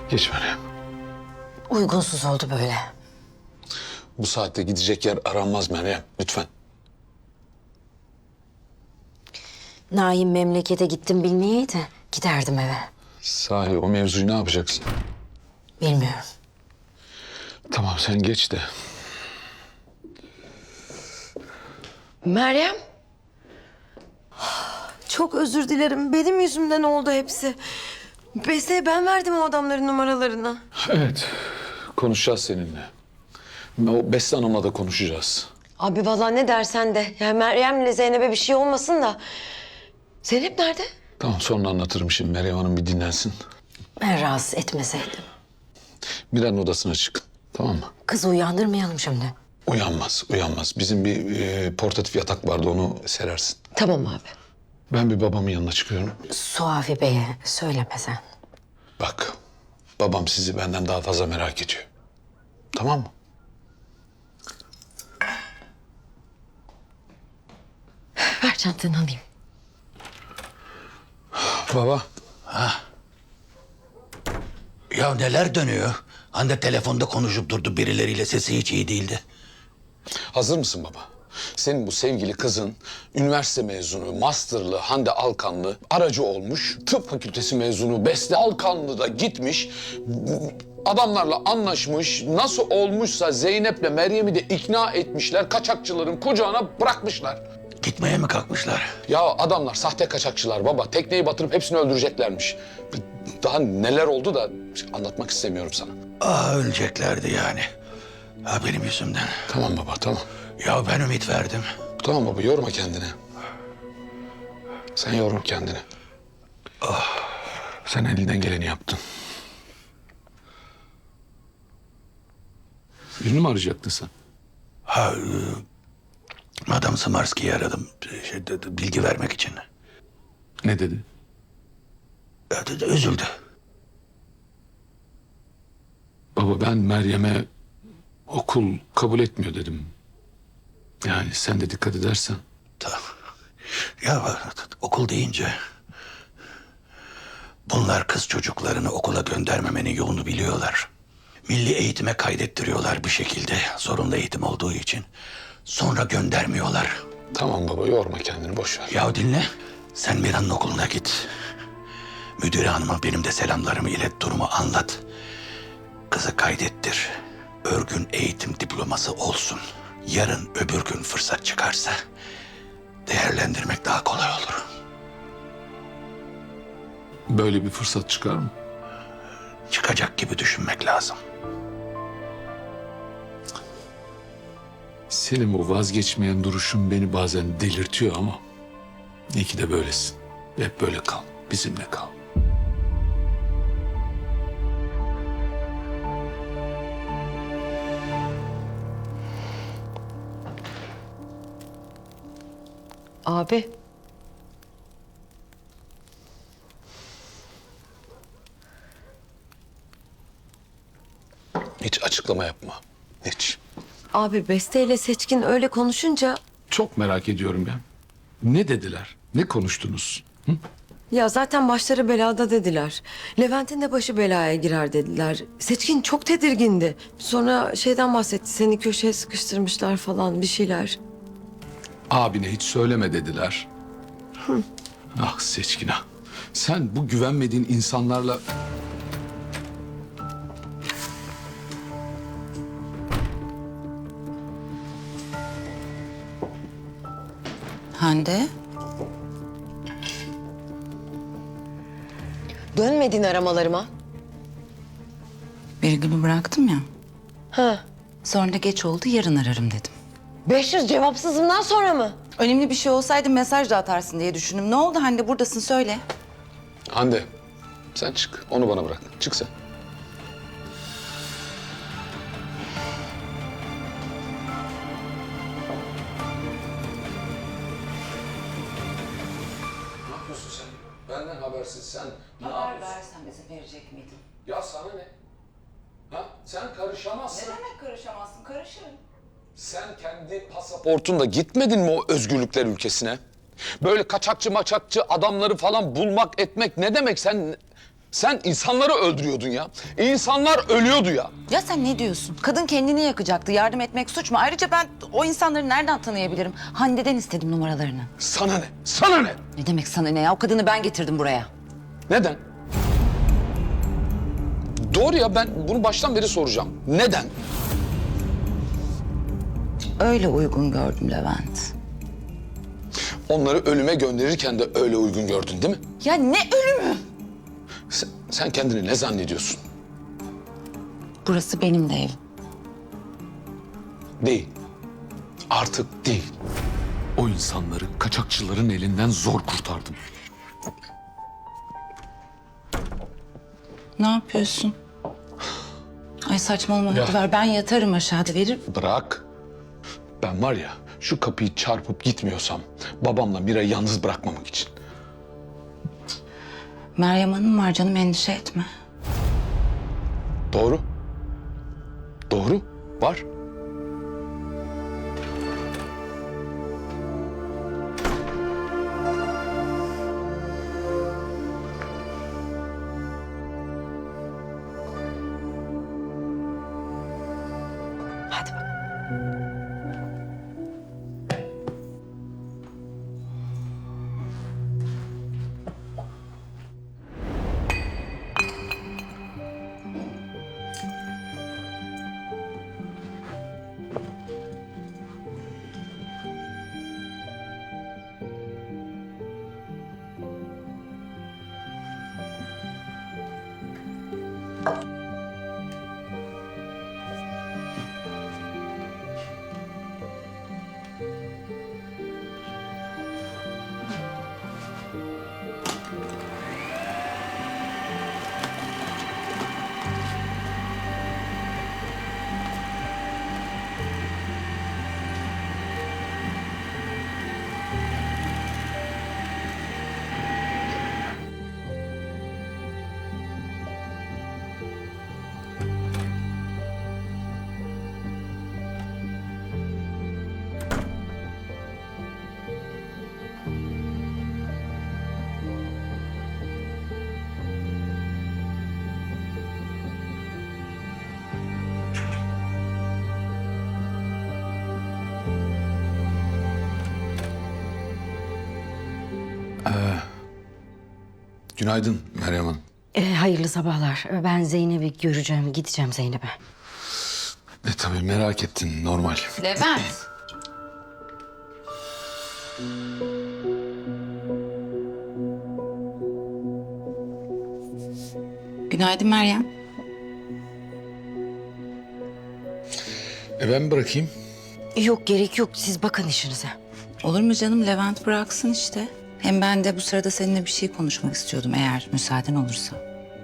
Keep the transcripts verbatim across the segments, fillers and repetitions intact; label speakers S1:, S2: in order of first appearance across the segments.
S1: Geç Meryem.
S2: Uygunsuz oldu böyle.
S1: Bu saatte gidecek yer aranmaz Meryem. Lütfen.
S2: Naim memlekete gittim bilmeyeydi. Giderdim eve.
S1: Sahi o mevzuyu ne yapacaksın?
S2: Bilmiyorum.
S1: Tamam sen geç de.
S3: Meryem. Çok özür dilerim. Benim yüzümden oldu hepsi. Beste'ye ben verdim o adamların numaralarını.
S1: Evet. Konuşacağız seninle. O Beste Hanım'la da konuşacağız.
S3: Abi vallahi ne dersen de. Yani Meryem'le Zeynep'e bir şey olmasın da. Zeynep nerede?
S1: Tamam sonra anlatırım şimdi. Meryem Hanım bir dinlensin.
S2: Ben rahatsız etmeseydim.
S1: Miran'ın odasına çıkın. Tamam mı?
S2: Kızı uyandırmayalım şimdi.
S1: Uyanmaz, uyanmaz. Bizim bir e, portatif yatak vardı, onu serersin.
S3: Tamam abi.
S1: Ben bir babamın yanına çıkıyorum.
S2: Suavi Bey'e söyleme sen.
S1: Bak, babam sizi benden daha fazla merak ediyor. Tamam mı?
S3: Ver çantanı alayım.
S1: Baba.
S4: Ya neler dönüyor? Hande telefonda konuşup durdu birileriyle, sesi hiç iyi değildi.
S1: Hazır mısın baba? Senin bu sevgili kızın üniversite mezunu, masterlı Hande Alkanlı aracı olmuş. Tıp fakültesi mezunu Beste Alkanlı da gitmiş. Adamlarla anlaşmış. Nasıl olmuşsa Zeynep'le Meryem'i de ikna etmişler. Kaçakçıların kucağına bırakmışlar.
S4: Gitmeye mi kalkmışlar?
S1: Ya adamlar sahte kaçakçılar baba. Tekneyi batırıp hepsini öldüreceklermiş. Daha neler oldu da anlatmak istemiyorum sana.
S4: Ah öleceklerdi yani. Ha benim yüzümden.
S1: Tamam baba tamam.
S4: Ya ben ümit verdim.
S1: Tamam baba yorma kendini. Sen yorma kendini. Sen elinden geleni yaptın. Birini mi arayacaktın sen?
S4: Ha e, Madame Smarski'yi aradım. Şey, de- de- bilgi vermek için.
S1: Ne dedi?
S4: Ya, de- de- üzüldü.
S1: Baba ben Meryem'e okul kabul etmiyor dedim. Yani sen de dikkat edersen.
S4: Tamam. Ya okul deyince... Bunlar kız çocuklarını okula göndermemenin yolunu biliyorlar. Milli eğitime kaydettiriyorlar bir şekilde, zorunlu eğitim olduğu için. Sonra göndermiyorlar.
S1: Tamam baba yorma kendini boş ver.
S4: Ya dinle, sen Mira'nın okuluna git. Müdüre hanıma benim de selamlarımı ilet, durumu anlat. Kızı kaydettir. Örgün eğitim diploması olsun. Yarın öbür gün fırsat çıkarsa değerlendirmek daha kolay olur.
S1: Böyle bir fırsat çıkar mı?
S4: Çıkacak gibi düşünmek lazım.
S1: Senin bu vazgeçmeyen duruşun beni bazen delirtiyor ama... İyi ki de böylesin. Hep böyle kal. Bizimle kal.
S3: Abi.
S1: Hiç açıklama yapma. Hiç.
S3: Abi Beste ile Seçkin öyle konuşunca...
S1: Çok merak ediyorum ya. Ne dediler? Ne konuştunuz?
S3: Ya zaten başları belada dediler. Levent'in de başı belaya girer dediler. Seçkin çok tedirgindi. Sonra şeyden bahsetti. Seni köşeye sıkıştırmışlar falan bir şeyler.
S1: Abine hiç söyleme dediler. Ah Seçkin ah. Sen bu güvenmediğin insanlarla...
S5: Hande,
S3: Dönmedin aramalarıma.
S5: Birgül'ü bıraktım ya.
S3: Ha.
S5: Sonra da geç oldu, yarın ararım dedim.
S3: beş yüz cevapsızımdan sonra mı?
S5: Önemli bir şey olsaydı mesaj da atarsın diye düşündüm. Ne oldu Hande, buradasın söyle.
S1: Hande sen çık. Onu bana bırak. Çık sen. Ne yapıyorsun sen? Benden habersiz sen ne yapıyorsun?
S5: versen bize verecek miydin?
S1: Ya sana ne? Ha? Sen karışamazsın.
S5: demek karışamazsın? Karışırım.
S1: Sen kendi pasaportunla gitmedin mi o özgürlükler ülkesine? Böyle kaçakçı maçakçı adamları falan bulmak etmek ne demek? Sen Sen insanları öldürüyordun ya. İnsanlar ölüyordu ya.
S5: Ya sen ne diyorsun? Kadın kendini yakacaktı. Yardım etmek suç mu? Ayrıca ben o insanları nereden tanıyabilirim? Hande'den istedim numaralarını.
S1: Sana ne? Sana ne?
S5: Ne demek sana ne ya? O kadını ben getirdim buraya.
S1: Neden? Doğru ya, ben bunu baştan beri soracağım. Neden?
S5: Öyle uygun gördüm Levent.
S1: Onları ölüme gönderirken de öyle uygun gördün değil mi?
S5: Ya ne ölümü?
S1: Sen, sen kendini ne zannediyorsun?
S5: Burası benim de evim.
S1: Değil. Artık değil. O insanları kaçakçıların elinden zor kurtardım.
S5: Ne yapıyorsun? Ay saçmalama hadi ver. Ben yatarım aşağıda verir.
S1: Bırak. Ben var ya, şu kapıyı çarpıp gitmiyorsam babamla Mira'yı yalnız bırakmamak için.
S5: Meryem Hanım var canım, endişe etme.
S1: Doğru. Doğru. Var.
S2: Hadi bak.
S1: Günaydın Meryem Hanım.
S2: Ee, hayırlı sabahlar. Ben Zeynep'i göreceğim, gideceğim Zeynep'e.
S1: E tabii merak ettin, normal.
S5: Levent. Günaydın Meryem.
S1: E ben bırakayım.
S2: Yok gerek yok, siz bakın işinize.
S5: Olur mu canım, Levent bıraksın işte. Hem ben de bu sırada seninle bir şey konuşmak istiyordum eğer müsaaden olursa.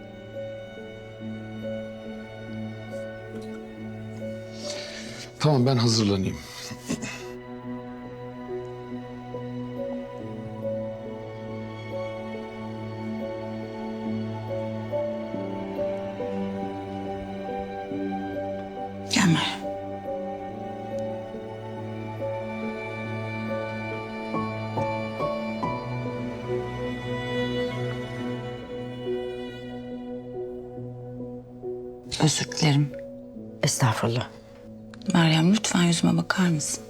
S1: Tamam, ben hazırlanayım.
S5: Gel Meryem. Özür dilerim.
S2: Estağfurullah.
S5: Meryem lütfen yüzüme bakar mısın?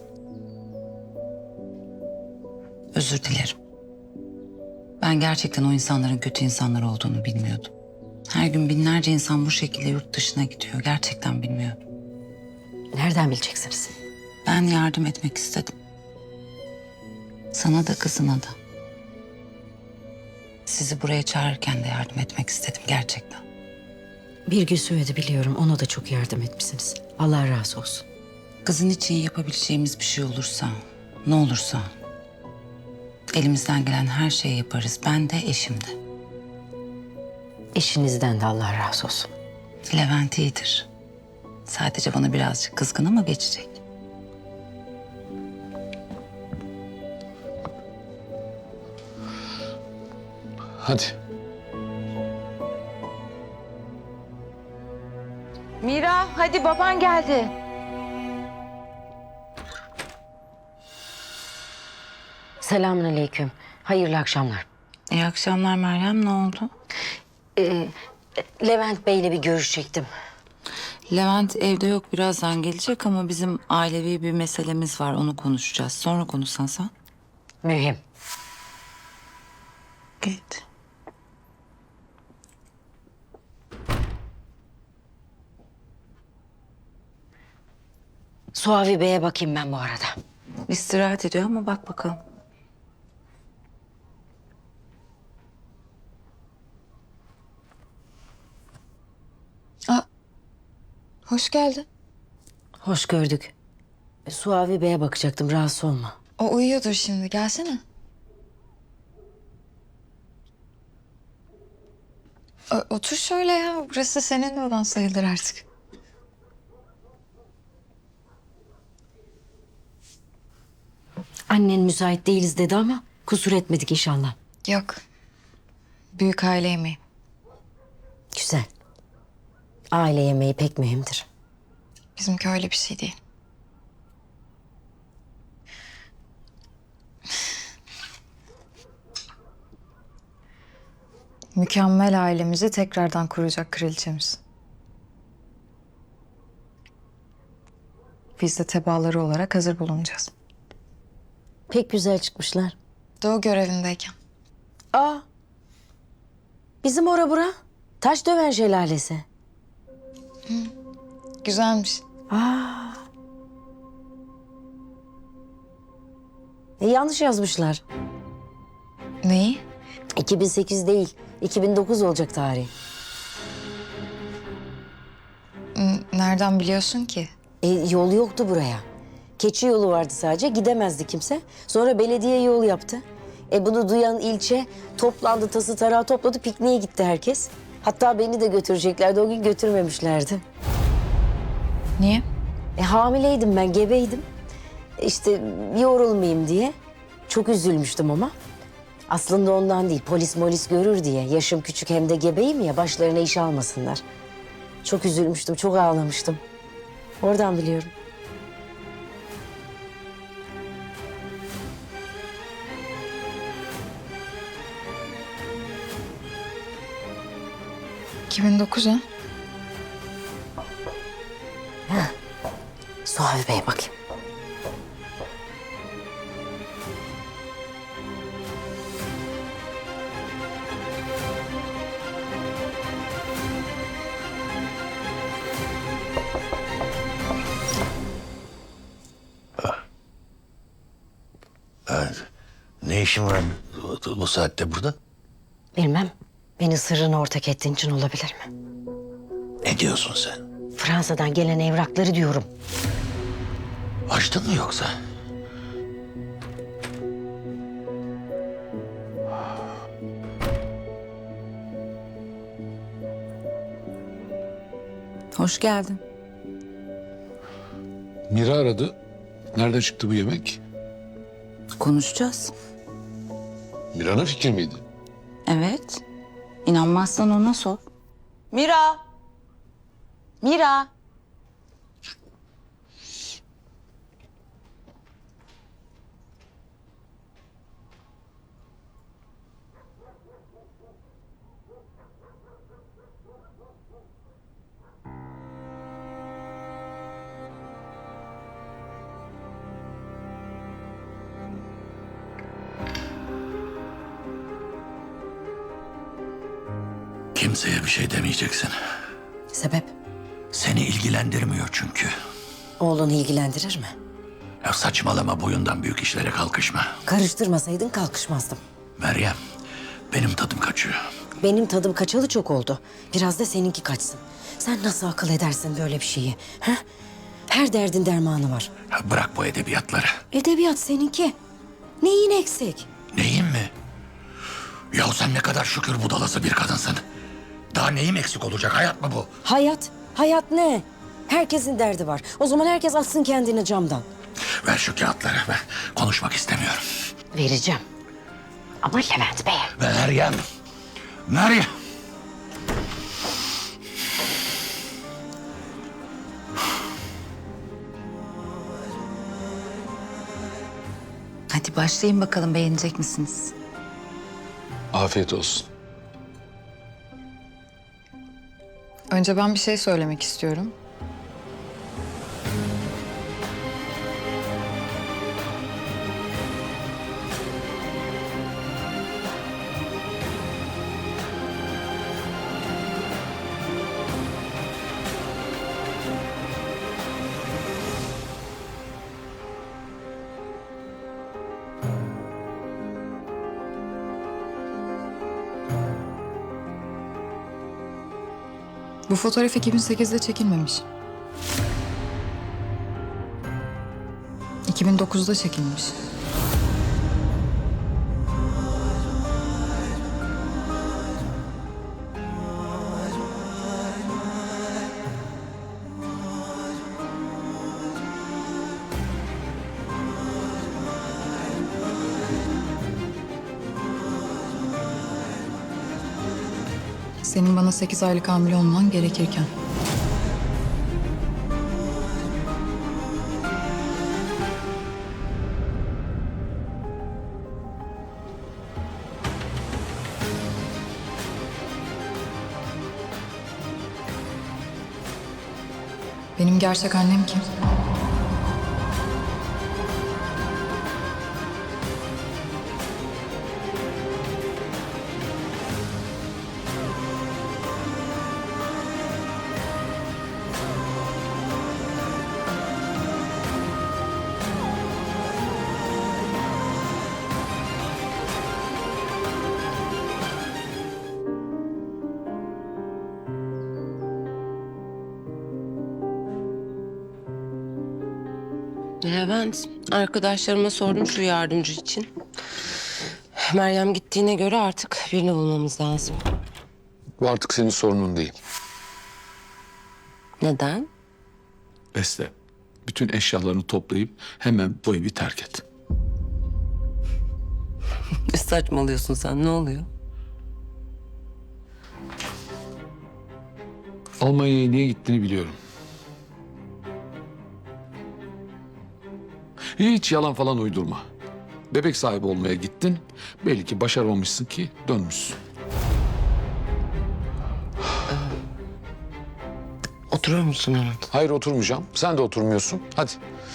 S5: Özür dilerim. Ben gerçekten o insanların kötü insanlar olduğunu bilmiyordum. Her gün binlerce insan bu şekilde yurt dışına gidiyor. Gerçekten bilmiyordum.
S2: Nereden bileceksiniz?
S5: Ben yardım etmek istedim. Sana da kızına da. Sizi buraya çağırırken de yardım etmek istedim gerçekten.
S2: Bir gün söyledi biliyorum, ona da çok yardım etmişsiniz. Allah razı olsun.
S5: Kızın için yapabileceğimiz bir şey olursa, ne olursa... elimizden gelen her şeyi yaparız. Ben de, eşim de.
S2: Eşinizden de Allah razı olsun.
S5: Levent iyidir. Sadece bana birazcık kızgın ama geçecek.
S1: Hadi.
S5: Mira, hadi baban geldi.
S2: Selamünaleyküm. Hayırlı akşamlar.
S5: İyi akşamlar Meryem, ne oldu?
S2: Levent Bey'le bir görüşecektim.
S5: Levent evde yok, birazdan gelecek ama bizim ailevi bir meselemiz var, onu konuşacağız. Sonra konuşsan sen.
S2: Mühim.
S5: Git.
S2: Suavi Bey'e bakayım ben bu arada.
S5: İstirahat ediyor ama bak bakalım.
S6: Hoş geldin.
S2: Hoş gördük. Suavi Bey'e bakacaktım, rahatsız olma.
S6: O uyuyordur şimdi. Gelsene. O- otur şöyle ya. Burası senin de olan sayılır artık.
S2: Annen müsait değiliz dedi ama kusur etmedik inşallah.
S6: Yok. Büyük aile yemeği.
S2: Güzel. Aile yemeği pek mühimdir.
S6: Bizimki öyle bir şey değil. Mükemmel ailemizi tekrardan kuracak kraliçemiz. Biz de tebaaları olarak hazır bulunacağız.
S2: Pek güzel çıkmışlar.
S6: Doğu görevindeyken.
S2: Aa. Bizim ora bura. Taş döven şelalesi.
S6: Güzelmiş.
S2: E, yanlış yazmışlar.
S6: Neyi?
S2: iki bin sekiz değil, iki bin dokuz olacak tarih.
S6: N- Nereden biliyorsun ki?
S2: E, yol yoktu buraya. Keçi yolu vardı sadece, gidemezdi kimse. Sonra belediye yol yaptı. E bunu duyan ilçe toplandı, tası tarağı topladı, pikniğe gitti herkes. Hatta beni de götüreceklerdi, o gün götürmemişlerdi.
S6: Niye?
S2: E, hamileydim ben, gebeydim. İşte yorulmayayım diye. Çok üzülmüştüm ama. Aslında ondan değil, polis molis görür diye. Yaşım küçük hem de gebeyim ya, başlarına iş almasınlar. Çok üzülmüştüm, çok ağlamıştım. Oradan biliyorum.
S6: iki bin dokuz ha?
S2: Suavi Bey'e bakayım.
S4: Ne işin var bu, bu saatte burada?
S2: Bilmem, beni sırrına ortak ettiğin için olabilir mi?
S4: Ne diyorsun sen?
S2: Fransa'dan gelen evrakları diyorum.
S4: Açtın mı yoksa?
S5: Hoş geldin.
S1: Mira aradı. Nereden çıktı bu yemek?
S5: Konuşacağız.
S1: Mira'nın fikri miydi?
S5: Evet. İnanmazsan ona sor. Mira! Mira!
S4: Kimseye bir şey demeyeceksin.
S2: Sebep?
S4: Seni ilgilendirmiyor çünkü.
S2: Oğlunu ilgilendirir mi?
S4: Ya saçmalama, boyundan büyük işlere kalkışma.
S2: Karıştırmasaydın kalkışmazdım.
S4: Meryem, benim tadım kaçıyor.
S2: Benim tadım kaçalı çok oldu. Biraz da seninki kaçsın. Sen nasıl akıl edersin böyle bir şeyi? Ha? Her derdin dermanı var.
S4: Ya bırak bu edebiyatları.
S2: Edebiyat seninki. Neyin eksik?
S4: Neyin mi? Ya sen ne kadar şükür budalası bir kadınsın. Daha neyim eksik olacak, hayat mı bu?
S2: Hayat. Hayat ne? Herkesin derdi var. O zaman herkes atsın kendini camdan.
S4: Ver şu kağıtları, ben konuşmak istemiyorum.
S2: Vereceğim. Ama Levent Bey'e.
S4: Meryem, Meryem.
S5: Hadi başlayın bakalım, beğenecek misiniz?
S1: Afiyet olsun.
S6: Önce ben bir şey söylemek istiyorum. Bu fotoğraf iki bin sekizde çekilmemiş. iki bin dokuzda çekilmiş. Senin bana sekiz aylık hamile olman gerekirken. Benim gerçek annem kim?
S7: Levent, arkadaşlarıma sordum şu yardımcı için. Meryem gittiğine göre artık birini bulmamız lazım.
S1: Bu artık senin sorunun değil.
S7: Neden?
S4: Beste, bütün eşyalarını toplayıp hemen bu evi terk et.
S7: Ne saçmalıyorsun sen, ne oluyor?
S1: Almanya'ya niye gittiğini biliyorum. Hiç yalan falan uydurma. Bebek sahibi olmaya gittin. Belli ki başaramamışsın ki dönmüşsün.
S7: Oturur musun Levent?
S1: Hayır oturmayacağım. Sen de oturmuyorsun. Hadi.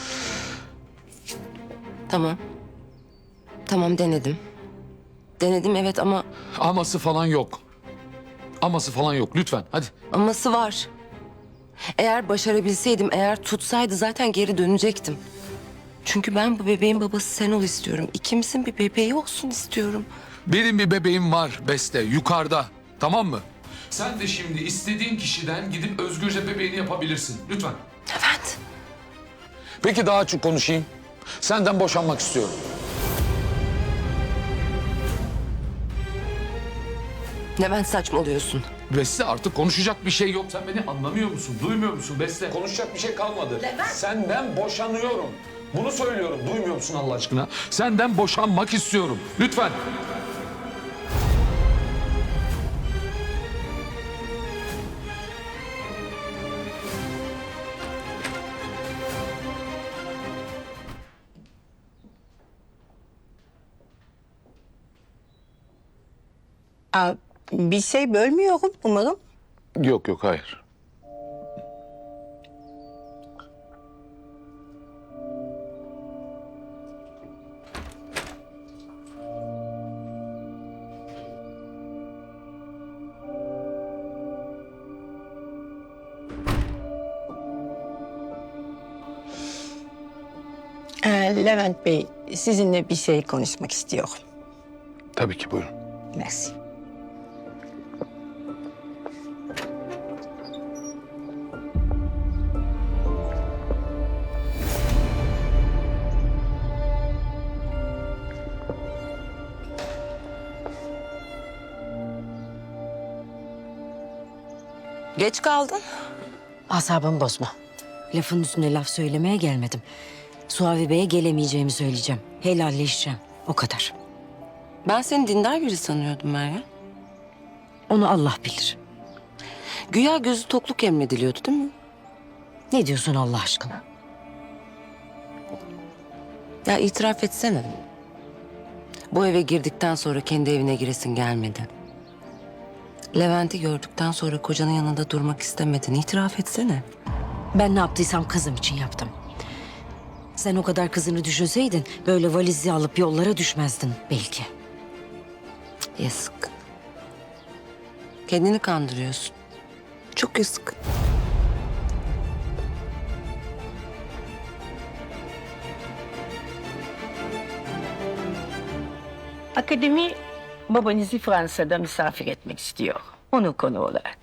S7: Tamam. Tamam denedim. Denedim evet ama
S1: Aması falan yok. Aması falan yok. Lütfen hadi.
S7: aması var. Eğer başarabilseydim, eğer tutsaydı zaten geri dönecektim. Çünkü ben bu bebeğin babası sen ol istiyorum. İkimizin bir bebeği olsun istiyorum.
S1: Benim bir bebeğim var Beste yukarıda. Tamam mı? Sen de şimdi istediğin kişiden gidip özgürce bebeğini yapabilirsin. Lütfen.
S7: Levent.
S1: Peki daha açık konuşayım. Senden boşanmak istiyorum.
S7: Levent saçmalıyorsun.
S1: Beste artık konuşacak bir şey yok. Sen beni anlamıyor musun? Duymuyor musun Beste? Konuşacak bir şey kalmadı. Senden boşanıyorum. Bunu söylüyorum. Duymuyor musun Allah aşkına? Senden boşanmak istiyorum. Lütfen.
S8: Aa, bir şey bölmüyorum umarım.
S1: Yok yok hayır.
S8: Ee, Levent Bey, sizinle bir şey konuşmak istiyorum.
S1: Tabii ki buyurun.
S8: Merci.
S7: Geç kaldın.
S2: Asabımı bozma. Lafın üstüne laf söylemeye gelmedim. Suavi Bey'e gelemeyeceğimi söyleyeceğim. Helalleşeceğim. O kadar.
S7: Ben seni dindar biri sanıyordum Meryem.
S2: Onu Allah bilir.
S7: Güya gözü tokluk emrediliyordu değil mi?
S2: Ne diyorsun Allah aşkına?
S7: Ya itiraf etsene. Bu eve girdikten sonra kendi evine giresin gelmedi. Levent'i gördükten sonra kocanın yanında durmak istemedin. İtiraf etsene.
S2: Ben ne yaptıysam kızım için yaptım. Sen o kadar kızını düşünseydin böyle valizi alıp yollara düşmezdin belki.
S7: Yazık. Kendini kandırıyorsun. Çok yazık.
S8: Akademi babanızı Fransa'da misafir etmek istiyor. Onu konu olarak.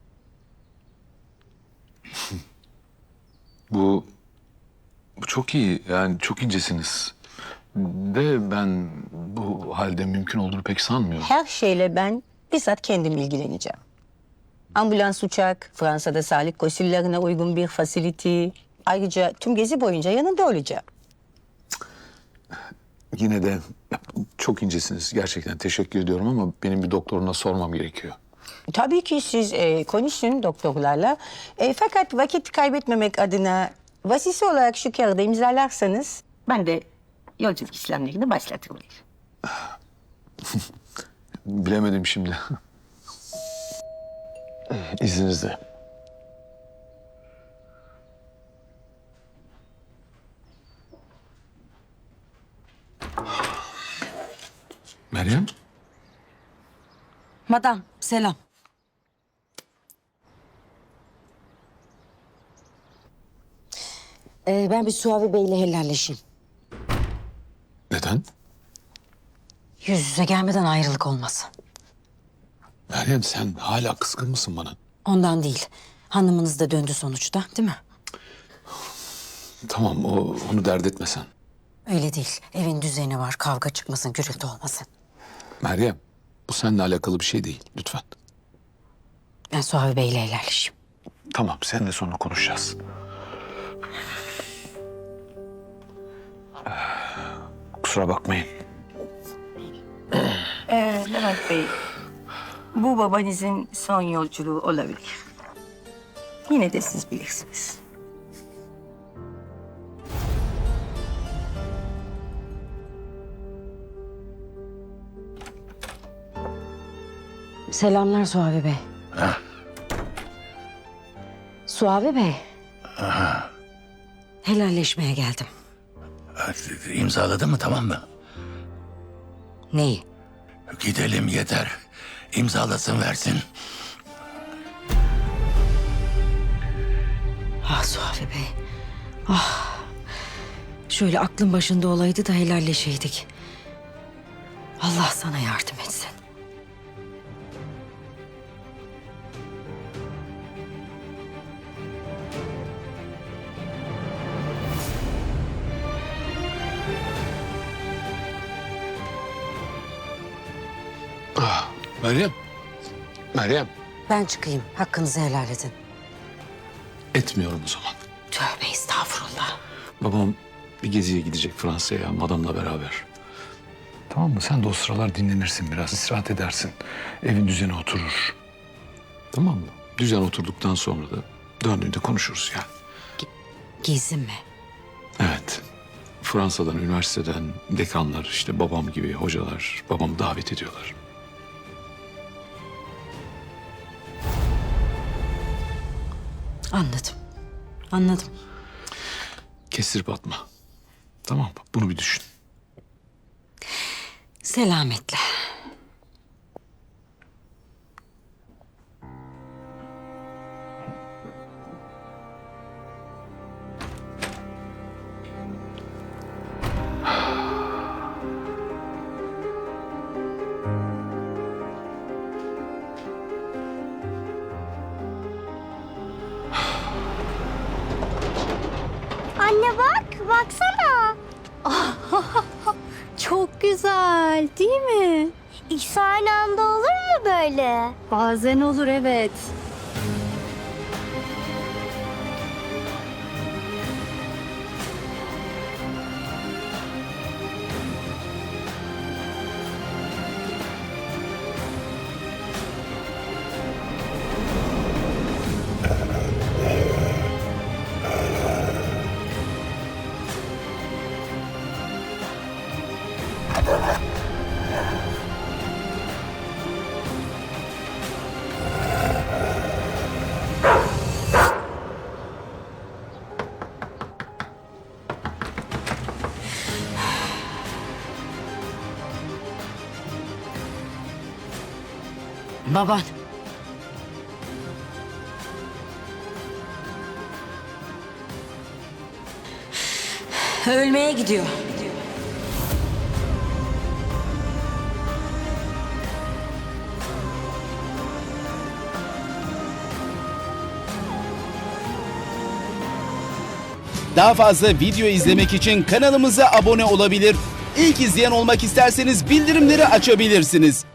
S1: Bu, bu çok iyi. Yani çok incesiniz. De ben bu halde mümkün olduğunu pek sanmıyorum.
S8: Her şeyle ben bizzat kendim ilgileneceğim. Ambulans uçak, Fransa'da sağlık koşullarına uygun bir facility. Ayrıca tüm gezi boyunca yanında olacağım.
S1: Yine de çok incesiniz. Gerçekten teşekkür ediyorum ama benim bir doktoruna sormam gerekiyor.
S8: Tabii ki siz e, konuşun doktorlarla. E, fakat vakit kaybetmemek adına vasisi olarak şu kağıdı imzalarsanız... Ben de yolculuk işlemlerini başlatırım.
S1: Bilemedim şimdi. İzninizle. Meryem?
S2: Madam selam. Ee, ben bir Suavi Bey'le helalleşeyim.
S1: Neden?
S2: Yüz yüze gelmeden ayrılık olmasın.
S1: Meryem sen hala kızgın mısın bana?
S2: Ondan değil. Hanımınız da döndü sonuçta değil mi?
S1: Tamam o, onu dert etme sen.
S2: Öyle değil. Evin düzeni var. Kavga çıkmasın, gürültü olmasın.
S1: Meryem bu seninle alakalı bir şey değil lütfen.
S2: Ben Suavi Bey'le helalleşeyim.
S1: Tamam seninle sonra konuşacağız. Ee, Kusura bakmayın.
S8: Ee, Levent Bey, bu babanızın son yolculuğu olabilir. Yine de siz bilirsiniz.
S2: Selamlar Suavi Bey. Suavi Bey. Helalleşmeye geldim.
S4: İmzaladı mı tamam mı?
S2: Neyi?
S4: Gidelim yeter. İmzalasın versin.
S2: Ah Suavi Bey. Ah. Şöyle aklın başında olaydı da helalleşeydik. Allah sana yardım etsin.
S1: Meryem. Meryem.
S2: Ben çıkayım. Hakkınızı helal edin.
S1: Etmiyorum o zaman.
S2: Tövbe estağfurullah.
S1: Babam bir geziye gidecek Fransa'ya madamla beraber. Tamam mı? Sen de o sıralar dinlenirsin biraz, istirahat edersin. Evin düzeni oturur. Tamam mı? Düzen oturduktan sonra da döndüğünde konuşuruz yani.
S2: Gezi mi?
S1: Evet. Fransa'dan, üniversiteden dekanlar, işte babam gibi hocalar babamı davet ediyorlar.
S2: Anladım. Anladım.
S1: Kestirip atma. Tamam mı? Bunu bir düşün.
S2: Selametle.
S9: Anne bak, baksana. Çok güzel, değil mi? İkisi aynı anda olur mu böyle? Bazen olur, evet.
S2: Baban. Ölmeye gidiyor.
S10: Daha fazla video izlemek için kanalımıza abone olabilir. İlk izleyen olmak isterseniz bildirimleri açabilirsiniz.